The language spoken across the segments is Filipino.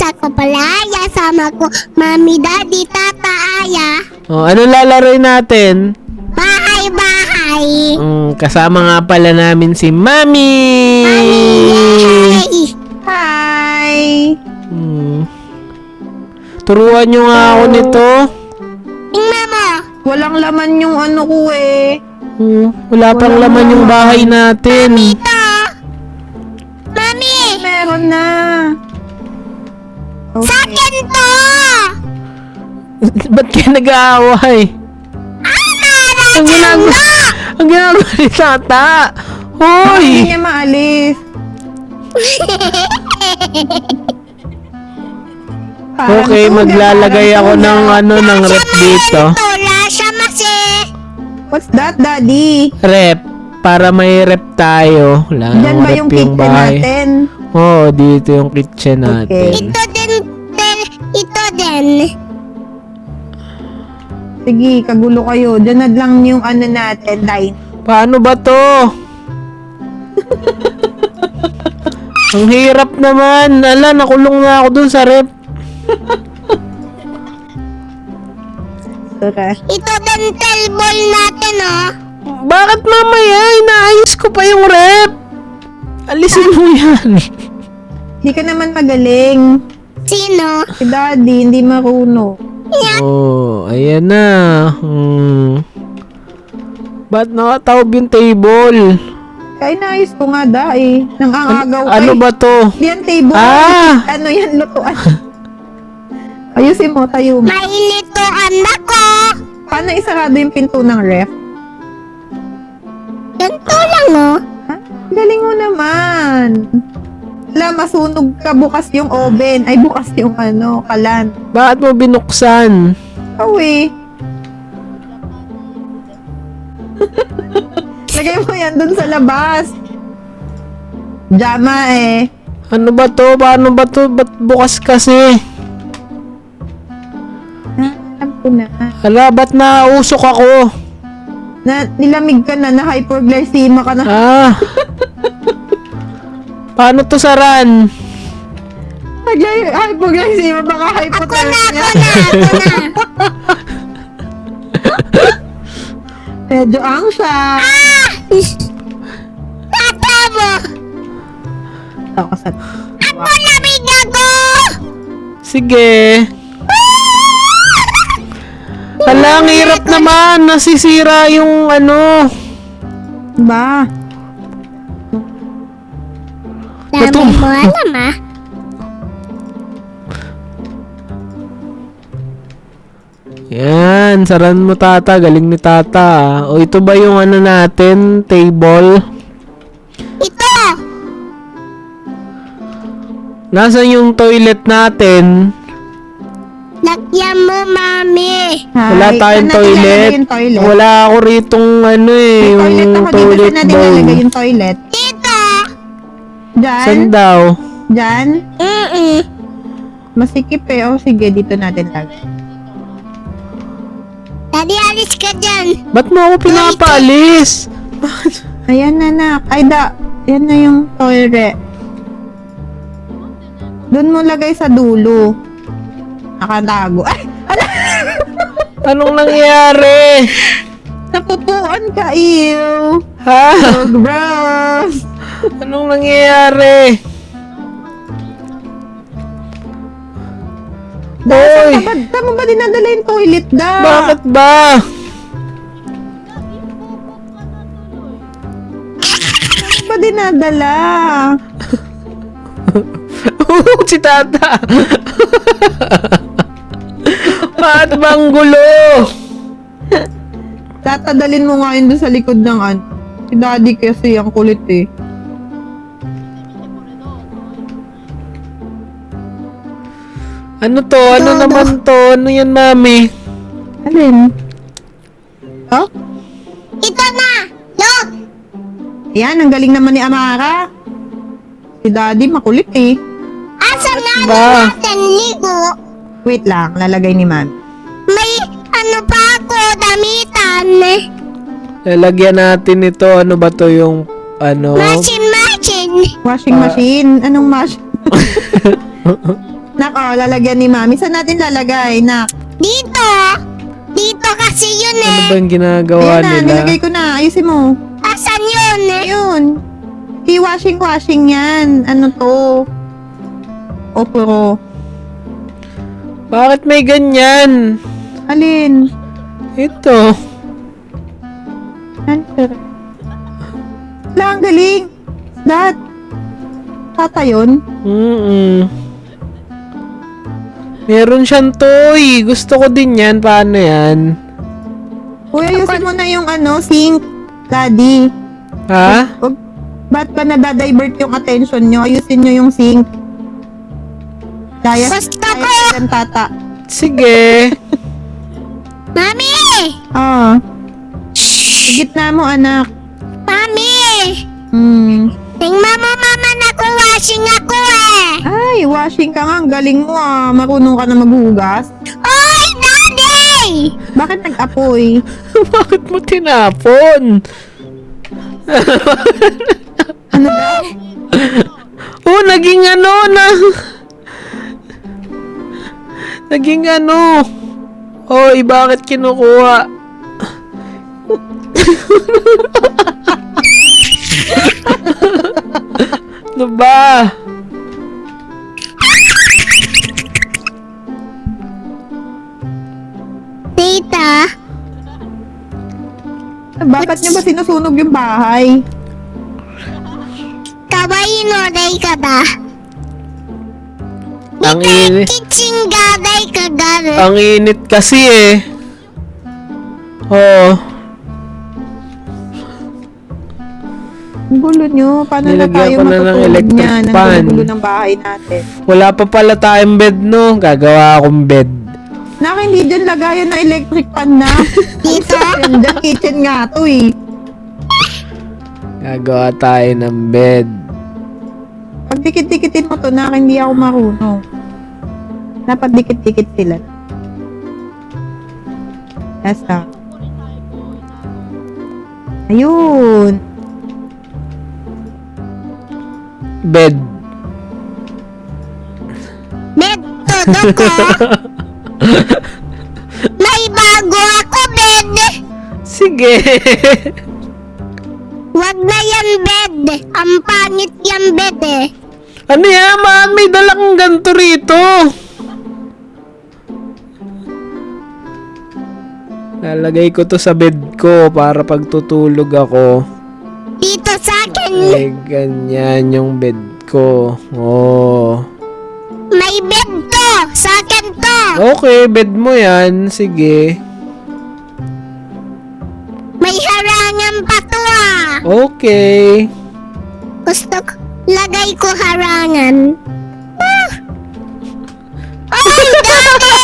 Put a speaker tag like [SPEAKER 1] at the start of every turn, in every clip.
[SPEAKER 1] Ako pala, Aya. Sama ko, Mami, Daddy, Tata, Aya.
[SPEAKER 2] Oh, ano lalaroin natin?
[SPEAKER 1] Bahay-bahay.
[SPEAKER 2] Kasama nga pala namin si Mami.
[SPEAKER 1] Yay!
[SPEAKER 3] Hi!
[SPEAKER 2] Turuan nyo nga ako nito.
[SPEAKER 1] Tingnan mo.
[SPEAKER 3] Walang laman yung ano ko eh.
[SPEAKER 2] Wala pang laman yung bahay natin.
[SPEAKER 1] Ito. Mami.
[SPEAKER 3] Meron na.
[SPEAKER 1] Sa akin to.
[SPEAKER 2] Ba't kayo nag-aaway? Ang ginagawa, ang ginagawa ni Tata. Hoy!
[SPEAKER 3] Hindi niya maalis.
[SPEAKER 2] Okay, maglalagay ako ng ng rep dito.
[SPEAKER 1] Siya masi.
[SPEAKER 3] What's that, Daddy?
[SPEAKER 2] Rep. Para may rep tayo. Wala
[SPEAKER 3] Diyan
[SPEAKER 2] nang
[SPEAKER 3] ba
[SPEAKER 2] rep
[SPEAKER 3] yung kitchen natin?
[SPEAKER 2] Oo, dito yung kitchen natin.
[SPEAKER 3] Okay.
[SPEAKER 1] Ito din. Ito din.
[SPEAKER 3] Sige, kagulo kayo. Diyan na lang yung ano natin, line.
[SPEAKER 2] Paano ba to? Ang hirap naman. Ala, nakulong na ako dun sa rep.
[SPEAKER 3] Okay.
[SPEAKER 1] Ito din table natin, oh.
[SPEAKER 2] Bakit mamaya? Inaayos ko pa yung rep. Alisin mo yan.
[SPEAKER 3] Hindi ka naman magaling.
[SPEAKER 1] Sino?
[SPEAKER 3] Si Daddy, hindi marunong.
[SPEAKER 2] Oh, ayan na. Ba't nakataob yung table?
[SPEAKER 3] Kaya naayos ko nga, eh. Nang angagaw
[SPEAKER 2] Ano ba to?
[SPEAKER 3] Hindi yan table.
[SPEAKER 2] Ah!
[SPEAKER 3] Ano yan, lutuan. Ayusin mo, tayo mo.
[SPEAKER 1] Mainit to, anak ko.
[SPEAKER 3] Paano isarado yung pinto ng ref?
[SPEAKER 1] Ganito lang, oh.
[SPEAKER 3] Ha? Galing mo naman. Wala, masunog ka bukas yung oven. Ay, bukas yung kalan.
[SPEAKER 2] Bakit mo binuksan?
[SPEAKER 3] Awi. Lagay mo yan dun sa labas. Jama eh.
[SPEAKER 2] Ano ba to? Paano ba to? Ba't bukas kasi?
[SPEAKER 3] Alam ko na.
[SPEAKER 2] Hala, ba't nausok ako?
[SPEAKER 3] Nilamig ka na, hyperglycemia ka na.
[SPEAKER 2] Ah. Paano to saran?
[SPEAKER 3] Hyperglycemia, baka hypothermia.
[SPEAKER 1] Ako na.
[SPEAKER 3] Medyo angsa.
[SPEAKER 1] Tata mo.
[SPEAKER 3] Ako sa...
[SPEAKER 1] Ako lamig ako.
[SPEAKER 2] Sige. Hala, ang hirap naman. Nasisira yung
[SPEAKER 3] Ba?
[SPEAKER 1] Dami mo alam, ah.
[SPEAKER 2] Yan, saran mo Tata. Galing ni Tata. O ito ba yung natin? Table?
[SPEAKER 1] Ito.
[SPEAKER 2] Nasaan yung toilet natin?
[SPEAKER 1] Lagyan mo, Mami.
[SPEAKER 2] Wala tayong toilet.
[SPEAKER 3] toilet.
[SPEAKER 2] Wala ako ritong
[SPEAKER 3] May
[SPEAKER 2] yung
[SPEAKER 3] toilet ako dito.
[SPEAKER 2] toilet
[SPEAKER 3] Saan na dinalagay
[SPEAKER 2] bowl.
[SPEAKER 3] yung toilet?
[SPEAKER 1] Dito.
[SPEAKER 3] Diyan?
[SPEAKER 2] Saan daw?
[SPEAKER 3] Diyan?
[SPEAKER 1] Mm-mm.
[SPEAKER 3] Masikip eh. O sige, dito natin lagay.
[SPEAKER 1] Daddy, alis ka dyan.
[SPEAKER 2] Ba't mo ako pinapaalis?
[SPEAKER 3] Ayan na, nak. Ay, yan na yung toilet. Doon mo lagay sa dulo. Nakatago. Ay! Ala!
[SPEAKER 2] Anong nangyari?
[SPEAKER 3] Napupuan ka, ew!
[SPEAKER 2] Ha?
[SPEAKER 3] So gross!
[SPEAKER 2] Anong nangyayari? Hoy!
[SPEAKER 3] Saan mo ba dinadala yung toilet, da?
[SPEAKER 2] Bakit ba?
[SPEAKER 3] Saan ba dinadala?
[SPEAKER 2] Si Tata! Bakit bang gulo?
[SPEAKER 3] Tatadalin mo nga yun doon sa likod ng Si Daddy kasi ang kulit eh.
[SPEAKER 2] Ano to? Ano naman to? Ano yan, Mami?
[SPEAKER 3] Alin? Oh?
[SPEAKER 1] Ito na. Look.
[SPEAKER 3] Yan, ang galing naman ni Amara. Si Daddy makulit eh.
[SPEAKER 1] Asa nga
[SPEAKER 2] Ba?
[SPEAKER 1] natin ligo?
[SPEAKER 3] Wait lang, lalagay ni Mami.
[SPEAKER 1] May ano pa ako, damitan.
[SPEAKER 2] Lalagyan natin ito. Ano ba to yung
[SPEAKER 1] Machine.
[SPEAKER 3] Washing machine. Anong machine? Nak, lalagyan ni Mami. Saan natin lalagay, Nak?
[SPEAKER 1] Dito. Dito kasi yun
[SPEAKER 2] Ano
[SPEAKER 1] eh.
[SPEAKER 2] ba yung ginagawa
[SPEAKER 3] Ayan na,
[SPEAKER 2] nila?
[SPEAKER 3] nilagay ko na. Ayusin mo.
[SPEAKER 1] Asan yun eh?
[SPEAKER 3] Ayun. I-washing yan. Ano to? Oporo.
[SPEAKER 2] Bakit may ganyan?
[SPEAKER 3] Alin?
[SPEAKER 2] Ito.
[SPEAKER 3] Answer. Wala, ang galing. Tata yun?
[SPEAKER 2] Meron siyang toy. Gusto ko din yan. Paano yan?
[SPEAKER 3] Uy, ayusin mo na yung sink. Daddy.
[SPEAKER 2] Ha?
[SPEAKER 3] Ba't ba nadadivert yung attention nyo? Ayusin nyo yung sink. Kaya
[SPEAKER 1] Gusto ko.
[SPEAKER 3] ng tata.
[SPEAKER 2] Sige.
[SPEAKER 1] Mami!
[SPEAKER 3] Higit na mo, anak.
[SPEAKER 1] Mami! Tingnan mo mama, nag-washing ako eh.
[SPEAKER 3] Ay, washing ka nga. Ang galing mo Marunong ka na maghugas.
[SPEAKER 1] Oy, Daddy!
[SPEAKER 3] Bakit nag-apoy?
[SPEAKER 2] Bakit mo tinapon?
[SPEAKER 3] Ano ba?
[SPEAKER 2] Oh, naging ano na. Naging ano. Oy, bakit kinukuha? Ano ba?
[SPEAKER 1] Tita,
[SPEAKER 3] Bakit nyo ba sinusunog yung bahay?
[SPEAKER 1] kawaii ka ba?
[SPEAKER 2] Ang init.
[SPEAKER 1] Kitchen gaday ka gari.
[SPEAKER 2] Ang init kasi eh. Oh,
[SPEAKER 3] Ang gulo nyo. Paano na
[SPEAKER 2] Nilagyan
[SPEAKER 3] tayo
[SPEAKER 2] ko na ng
[SPEAKER 3] matutulog
[SPEAKER 2] electric
[SPEAKER 3] niyan? Ang
[SPEAKER 2] fan.
[SPEAKER 3] gulo ng bahay natin.
[SPEAKER 2] wala pa pala tayong bed no. Gagawa akong bed.
[SPEAKER 3] Nak, hindi dyan lagayan ng electric fan na.
[SPEAKER 1] Dito?
[SPEAKER 3] Yan dyan, kitchen nga to eh.
[SPEAKER 2] Gagawa tayo ng bed.
[SPEAKER 3] Pag dikit-dikitin mo to, Nak, hindi ako marunong. Dapat dikit-dikit sila. Basta. Ayun.
[SPEAKER 2] Bed.
[SPEAKER 1] Bed todo ko. May bago ako bed.
[SPEAKER 2] Sige.
[SPEAKER 1] Wag na yan bed. Ang pangit yan bed eh.
[SPEAKER 2] Ano yan, mami? Dala kang ganito rito. Lalagay ko to sa bed ko para pag tutulog ako.
[SPEAKER 1] Dito sa akin.
[SPEAKER 2] Ay, ganyan yung bed ko. Oh.
[SPEAKER 1] May bed to. Sa akin to.
[SPEAKER 2] Okay, bed mo yan. Sige.
[SPEAKER 1] May harangan pa to
[SPEAKER 2] Okay.
[SPEAKER 1] Gusto ko. Lagay ko harangan. Ay, Daddy!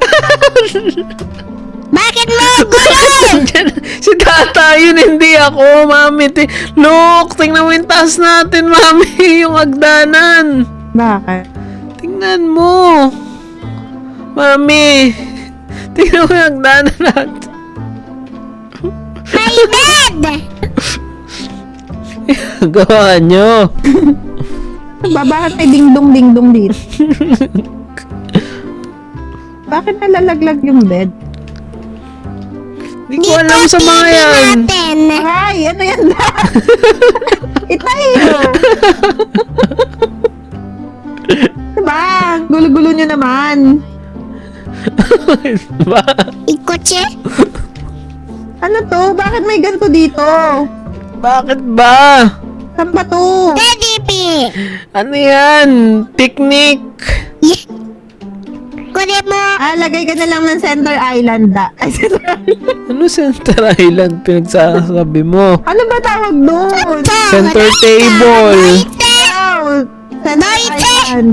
[SPEAKER 1] Bakit mo gulo?
[SPEAKER 2] Si tata yun, hindi ako, mami. Look, tingnan mo yung taas natin, mami. Yung hagdanan.
[SPEAKER 3] Bakit?
[SPEAKER 2] Tingnan mo. Mami. Tingnan mo yung hagdanan natin.
[SPEAKER 1] May bed!
[SPEAKER 2] Gawa nyo.
[SPEAKER 3] Bakit may dingdong-dingdong dito? Bakit nalalaglag yung bed?
[SPEAKER 2] Hindi ko alam sa mga
[SPEAKER 1] TV
[SPEAKER 2] yan.
[SPEAKER 1] natin.
[SPEAKER 3] Ay, ano yan? Itay! Diba? Gulo-gulo nyo naman.
[SPEAKER 2] Ba?
[SPEAKER 1] Ikotse?
[SPEAKER 3] Ano to? Bakit may ganito dito?
[SPEAKER 2] Bakit ba?
[SPEAKER 3] Saan ba to?
[SPEAKER 1] Daddy P!
[SPEAKER 2] Ano yan? Picnic.
[SPEAKER 1] Kunin mo.
[SPEAKER 3] Lagay ka na lang ng center island Ay, center island.
[SPEAKER 2] Ano Center Island pinagsasabi mo?
[SPEAKER 3] Ano ba tawag doon?
[SPEAKER 2] Center table.
[SPEAKER 3] Wow! Center
[SPEAKER 1] Doite!
[SPEAKER 3] island.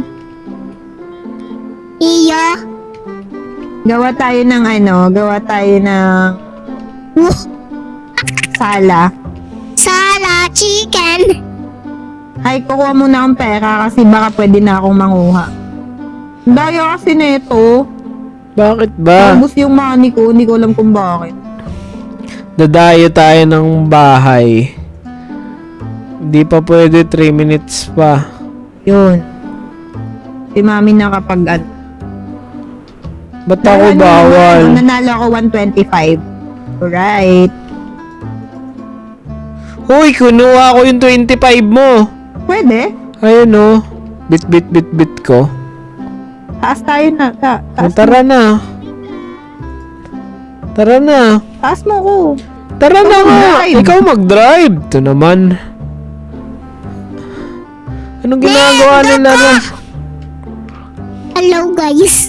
[SPEAKER 1] Iyo.
[SPEAKER 3] Gawa tayo ng sala.
[SPEAKER 1] Sala chicken.
[SPEAKER 3] Ay, kukuha muna akong pera kasi baka pwede na akong manguha. Daya kasi neto.
[SPEAKER 2] Bakit ba?
[SPEAKER 3] Tapos yung money ko, hindi ko alam kung bakit.
[SPEAKER 2] Dadayo tayo ng bahay. Hindi pa pwede 3 minutes pa.
[SPEAKER 3] Yun. Si mami nakapag ano.
[SPEAKER 2] Ba't ako bawal?
[SPEAKER 3] Nanalo ako 125. Alright.
[SPEAKER 2] Uy, kunuha ko yung 25 mo.
[SPEAKER 3] Pwede.
[SPEAKER 2] Ayun oh. Bit ko.
[SPEAKER 3] Taas tayo na. Taas,
[SPEAKER 2] Tara na. Tara na.
[SPEAKER 3] taas mo ko.
[SPEAKER 2] Tara na nga.
[SPEAKER 3] mag-drive.
[SPEAKER 2] Ikaw mag-drive. Ito naman. Anong ginagawa nila na?
[SPEAKER 1] Hello guys.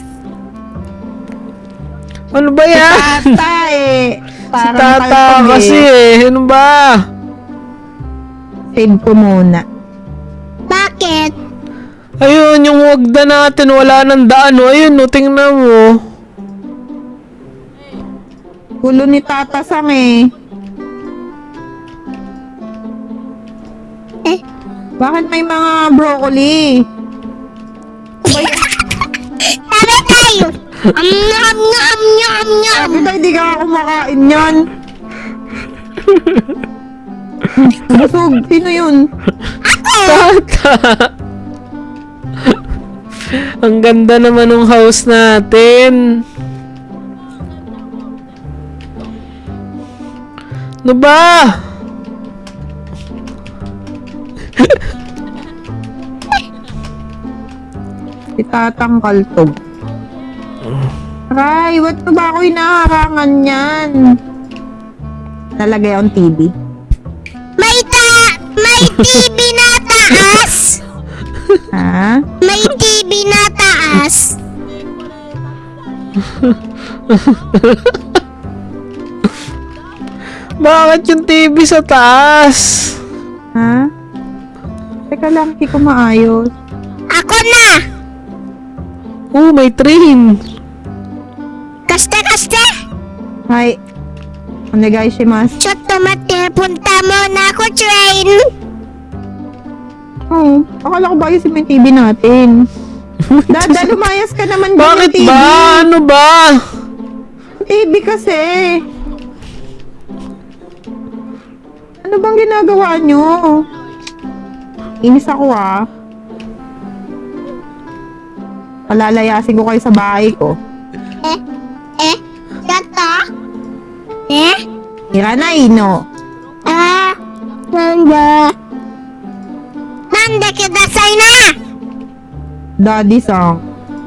[SPEAKER 2] Ano ba yan?
[SPEAKER 3] Tata eh.
[SPEAKER 2] Si
[SPEAKER 3] Parang
[SPEAKER 2] Tata
[SPEAKER 3] kalpag
[SPEAKER 2] kasi eh. Ano ba?
[SPEAKER 3] Save ko muna.
[SPEAKER 1] Bakit?
[SPEAKER 2] Ayun, yung wagda natin. Wala nang daan. Oh. Ayun, no, tingnan mo.
[SPEAKER 3] Gulo ni Tata Sang eh.
[SPEAKER 1] Eh,
[SPEAKER 3] Bakit may mga broccoli?
[SPEAKER 1] tabi tayo. Am nyam.
[SPEAKER 3] Sabi tayo, di ka kumakain yan. Busog. Sino yun?
[SPEAKER 2] Tata. Ang ganda naman ng house natin. Ano ba?
[SPEAKER 3] Si Tatang Kaltog. Aray, ba't ba ako hinaharangan yan? Nalagay akong TV.
[SPEAKER 1] May TV na taas.
[SPEAKER 3] Ha?
[SPEAKER 1] May TV na taas.
[SPEAKER 2] Bakit yung TV sa taas?
[SPEAKER 3] Ha? Teka lang, hindi ko maayos.
[SPEAKER 1] Ako na.
[SPEAKER 2] Oh, may train.
[SPEAKER 1] Kaste.
[SPEAKER 3] Hi. Onegaishimasu.
[SPEAKER 1] ちょっと待って、punta muna ako, train.
[SPEAKER 3] Oh, akala ko ba yung may TV natin? Dada, lumayas ka naman dyan
[SPEAKER 2] Bakit
[SPEAKER 3] ng TV.
[SPEAKER 2] ba? Ano ba?
[SPEAKER 3] TV kasi. Ano bang ginagawa nyo? Inis ako ah. Palalayasin ko kayo sa bahay ko.
[SPEAKER 1] Tata?
[SPEAKER 3] Hiranay, no?
[SPEAKER 1] Nanda kudasai na!
[SPEAKER 3] Daddy song.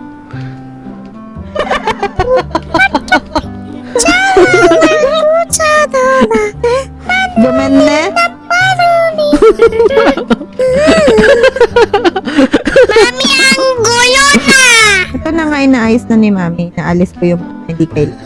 [SPEAKER 3] Gumende?
[SPEAKER 1] Mami, ang gulo na!
[SPEAKER 3] Ito na nga inaayos na ni Mami. Naalis ko yung hindi kailangan.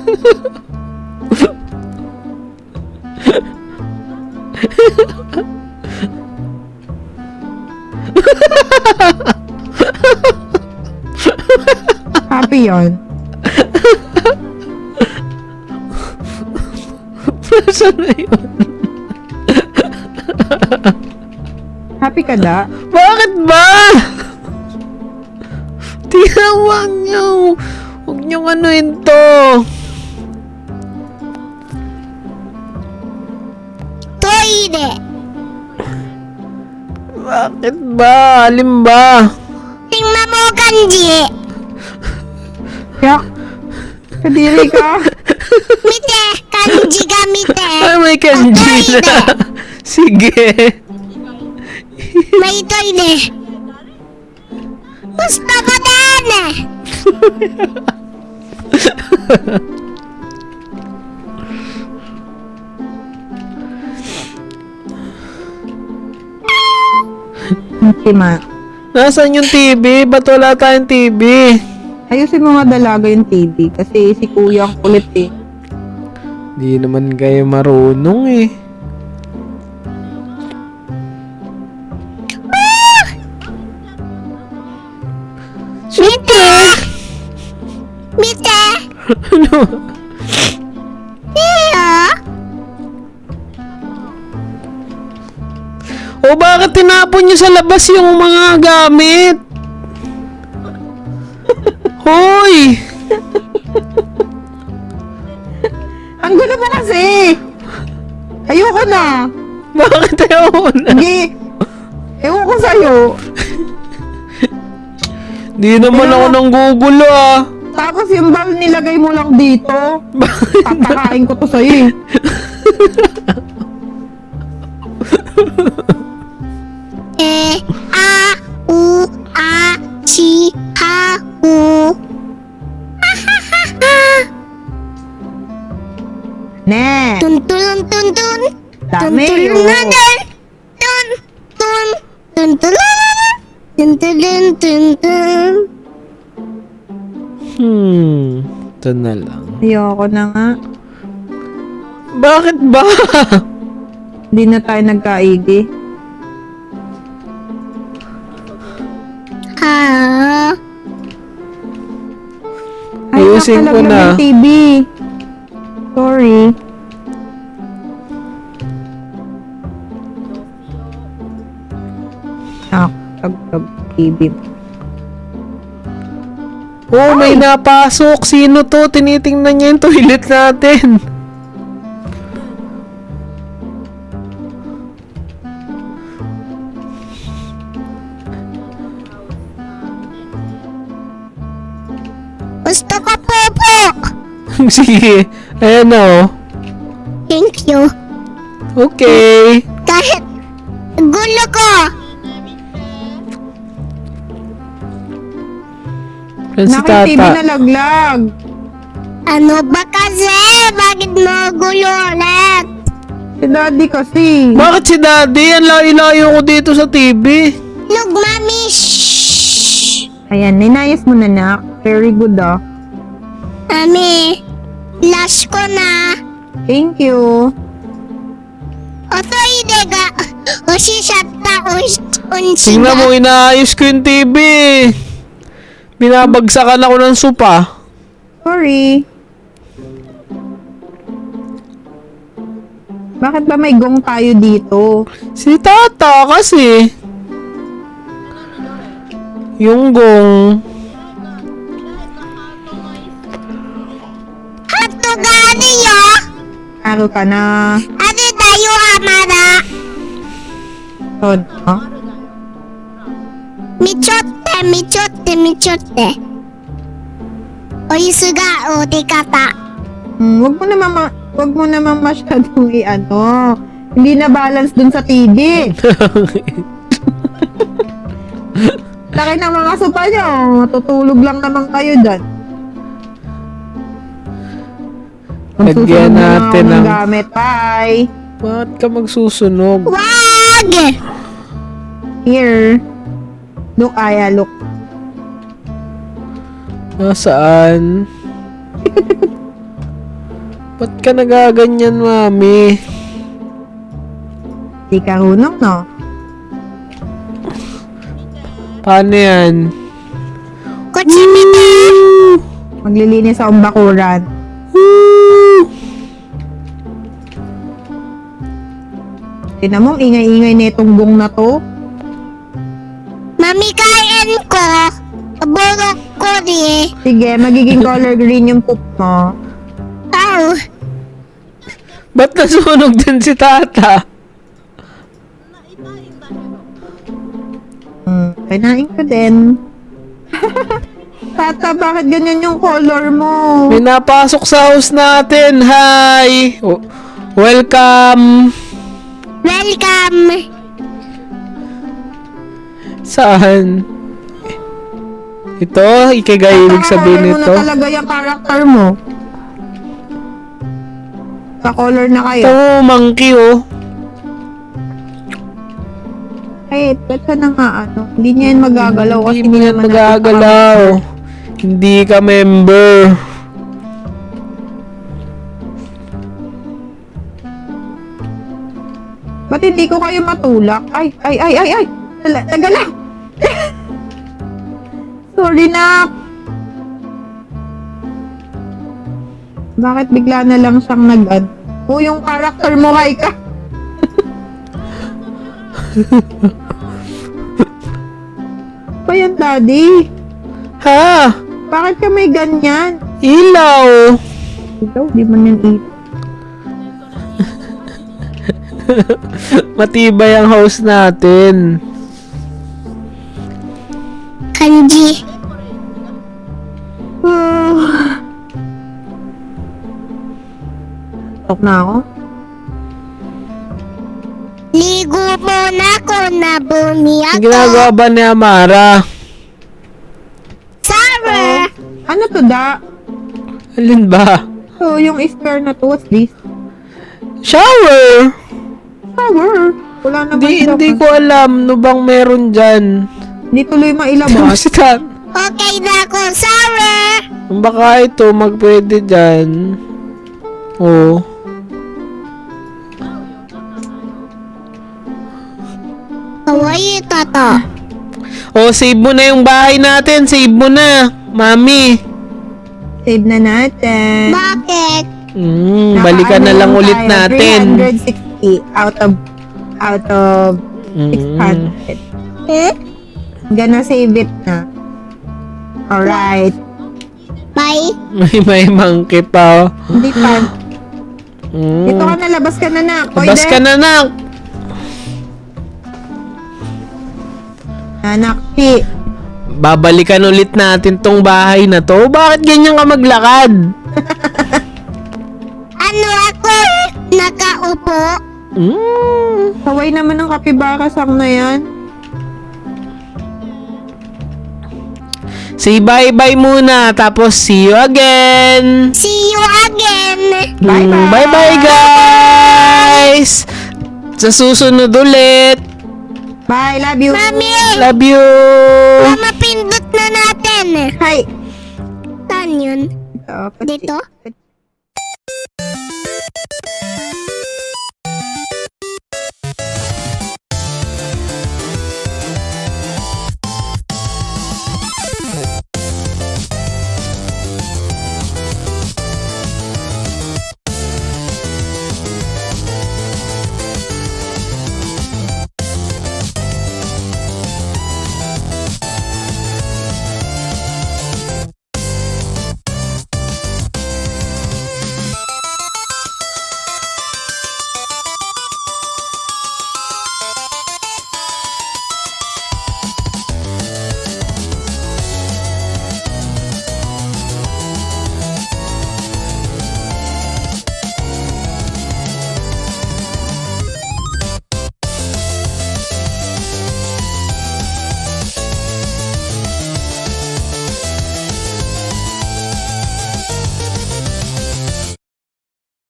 [SPEAKER 3] Happy yon.
[SPEAKER 2] Nasaan na yun?
[SPEAKER 3] Happy ka da?
[SPEAKER 2] Bakit ba? Tinawag niyo. Huwag niyong anuin to.
[SPEAKER 1] Toire!
[SPEAKER 2] Bakit ba? Alin ba?
[SPEAKER 1] Tingnan mo, kanji!
[SPEAKER 3] Yak! Kadiri ka!
[SPEAKER 1] Mite! Kanji ga mite!
[SPEAKER 2] Ay, may kanji na. Sige.
[SPEAKER 1] May toire! Gusto ko din!
[SPEAKER 3] Ultima.
[SPEAKER 2] Nasaan yung TV? Ba't wala tayong TV?
[SPEAKER 3] Ayusin mo nga dalaga yung TV kasi si kuya ang kulit eh.
[SPEAKER 2] Di naman kayo marunong eh.
[SPEAKER 1] Mite! Mite!
[SPEAKER 2] Ano?
[SPEAKER 1] Iyo!
[SPEAKER 2] O bakit tinapon nyo sa labas yung mga gamit? Hoy!
[SPEAKER 3] Ang gulo mo kasi! Ayoko na!
[SPEAKER 2] Bakit ayaw na?
[SPEAKER 3] Hindi! Ewan ko sa'yo!
[SPEAKER 2] Di naman ako nang gugulo ah.
[SPEAKER 3] Tapos yung ball nilagay mo lang dito. Papakain ko to sa'yo eh.
[SPEAKER 1] A, U, A, Si, Ha, U.
[SPEAKER 3] Ne,
[SPEAKER 1] Tun, tun, tun, tun.
[SPEAKER 3] dami
[SPEAKER 1] Tun,
[SPEAKER 3] yun.
[SPEAKER 1] tun, tun, tun, tun, tun, tun, tun, tun, tun.
[SPEAKER 2] Ito na lang.
[SPEAKER 3] Ayoko na nga.
[SPEAKER 2] Bakit ba?
[SPEAKER 3] Hindi na tayo nagkaigi.
[SPEAKER 1] Ah,
[SPEAKER 2] Ayusin ko
[SPEAKER 3] nakalaglag
[SPEAKER 2] na.
[SPEAKER 3] yung TV. Sorry. Nakakaglag TV.
[SPEAKER 2] Oh, may napasok. Sino to? Tinitingnan niya yung toilet natin.
[SPEAKER 1] gusto ko popo.
[SPEAKER 2] Sige. Ayan na oh.
[SPEAKER 1] Thank you.
[SPEAKER 2] Okay.
[SPEAKER 1] Kahit gulo ko.
[SPEAKER 2] Yan si
[SPEAKER 3] Naki-TV
[SPEAKER 2] Tata.
[SPEAKER 3] na laglag.
[SPEAKER 1] Ano ba kasi? Bakit mo gulo ulit?
[SPEAKER 3] Si daddy kasi.
[SPEAKER 2] Bakit si Daddy? Ang layo-layo ko dito sa TV.
[SPEAKER 1] Look, mami. Shh.
[SPEAKER 3] Ayan, ninayas mo na na. Very good ah.
[SPEAKER 1] Mami. Last ko na.
[SPEAKER 3] Thank you.
[SPEAKER 1] Oto ide ga. Oshi shatta. Onshi
[SPEAKER 2] Tingnan mo,
[SPEAKER 1] ga.
[SPEAKER 2] inaayos ko yung TV. Binabagsakan ako ng sopa.
[SPEAKER 3] Sorry. Bakit ba may gong tayo dito?
[SPEAKER 2] Si Tata kasi. Yung gong.
[SPEAKER 1] Hato ga ano yo?
[SPEAKER 3] Araw ka na.
[SPEAKER 1] Ano tayo hamara?
[SPEAKER 3] Son, no?
[SPEAKER 1] Michotte, michotte, michotte. Oisu ga o kata.
[SPEAKER 3] Wag mo naman masyadong i-ano. Hindi na balance dun sa TV. Laki ng mga sopa nyo. Matutulog lang naman kayo dyan.
[SPEAKER 2] Lagyan natin
[SPEAKER 3] ng
[SPEAKER 2] ng...
[SPEAKER 3] gamit. Bye.
[SPEAKER 2] Bakit ka magsusunog?
[SPEAKER 1] Wag!
[SPEAKER 3] Here. Look, Aya, look.
[SPEAKER 2] Nasaan? Ba't ka nagaganyan, Mami?
[SPEAKER 3] Di ka runong, no?
[SPEAKER 2] Paano yan?
[SPEAKER 1] Kuchimita!
[SPEAKER 3] Maglilinis sa umbakuran.
[SPEAKER 2] Woo!
[SPEAKER 3] Tignan mo, ang ingay-ingay na itong gong na to.
[SPEAKER 1] Mami, kain ko. Burok ko di.
[SPEAKER 3] Sige, magiging color green yung poop mo.
[SPEAKER 1] Ow.
[SPEAKER 2] Ba't nasunog din si Tata?
[SPEAKER 3] Kinain ko din. Tata, bakit ganyan yung color mo?
[SPEAKER 2] May napasok sa house natin. Hi! Welcome!
[SPEAKER 1] Welcome.
[SPEAKER 2] Saan? Ito? Ikigay ibig sabihin
[SPEAKER 3] Color mo
[SPEAKER 2] nito?
[SPEAKER 3] na talaga yung character mo. Sa color na kayo.
[SPEAKER 2] Ito, monkey oh.
[SPEAKER 3] Ay, ito na nga ano. Hindi niya yan magagalaw kasi
[SPEAKER 2] Hindi mo yan
[SPEAKER 3] naman natin
[SPEAKER 2] magagalaw. Hindi ka member.
[SPEAKER 3] Ba't hindi ko kayo matulak? Ay! Tagala! Sorry na! Bakit bigla na lang siyang nag-ad? Oh, yung character mo, Haika! Pa yan, Daddy?
[SPEAKER 2] Ha?
[SPEAKER 3] Bakit ka may ganyan?
[SPEAKER 2] Ilaw.
[SPEAKER 3] Ikaw, di man yan ito.
[SPEAKER 2] Matibay ang house natin.
[SPEAKER 1] Kanji.
[SPEAKER 3] Antok na ako.
[SPEAKER 1] Ligo muna ako na bumi
[SPEAKER 2] Ang
[SPEAKER 1] ako.
[SPEAKER 2] ginagawa ba ni Amara?
[SPEAKER 1] Sarah!
[SPEAKER 3] Ano to da?
[SPEAKER 2] Alin ba?
[SPEAKER 3] So, yung spare na to, what's this?
[SPEAKER 2] Shower!
[SPEAKER 3] Shower. Wala naman
[SPEAKER 2] Hindi ko alam. No bang meron dyan?
[SPEAKER 3] Hindi tuloy mailabas.
[SPEAKER 2] Basta,
[SPEAKER 1] Okay na ako, Sarah!
[SPEAKER 2] baka ito magpwede dyan. Oo.
[SPEAKER 1] Kawaii tata.
[SPEAKER 2] Save mo na yung bahay natin. Save mo na. Mami.
[SPEAKER 3] Save na natin.
[SPEAKER 1] Bakit?
[SPEAKER 2] Balikan na
[SPEAKER 3] Naka-ano
[SPEAKER 2] lang ulit
[SPEAKER 3] tayo,
[SPEAKER 2] natin.
[SPEAKER 3] 360 out of 600.
[SPEAKER 1] Eh?
[SPEAKER 3] Gonna save it na. Alright.
[SPEAKER 1] Bye.
[SPEAKER 2] May monkey pa.
[SPEAKER 3] Hindi pa.
[SPEAKER 2] Mm.
[SPEAKER 3] Dito ka na, labas ka na na.
[SPEAKER 2] Labas ka na, nak.
[SPEAKER 3] Anak, P.
[SPEAKER 2] Babalikan ulit natin tong bahay na to. Bakit ganyan ka maglakad?
[SPEAKER 1] Ano ako? Nakaupo?
[SPEAKER 3] Kaway naman ng kapibara sang na yan.
[SPEAKER 2] Say bye-bye muna. Tapos see you again.
[SPEAKER 1] See you again.
[SPEAKER 3] Bye-bye.
[SPEAKER 2] Bye-bye, guys. Sa susunod ulit.
[SPEAKER 3] Bye, love you.
[SPEAKER 1] Mami!
[SPEAKER 2] Love you.
[SPEAKER 1] Mama, pindot na natin.
[SPEAKER 3] Hi.
[SPEAKER 1] Saan yun?
[SPEAKER 3] Ito,
[SPEAKER 1] Dito?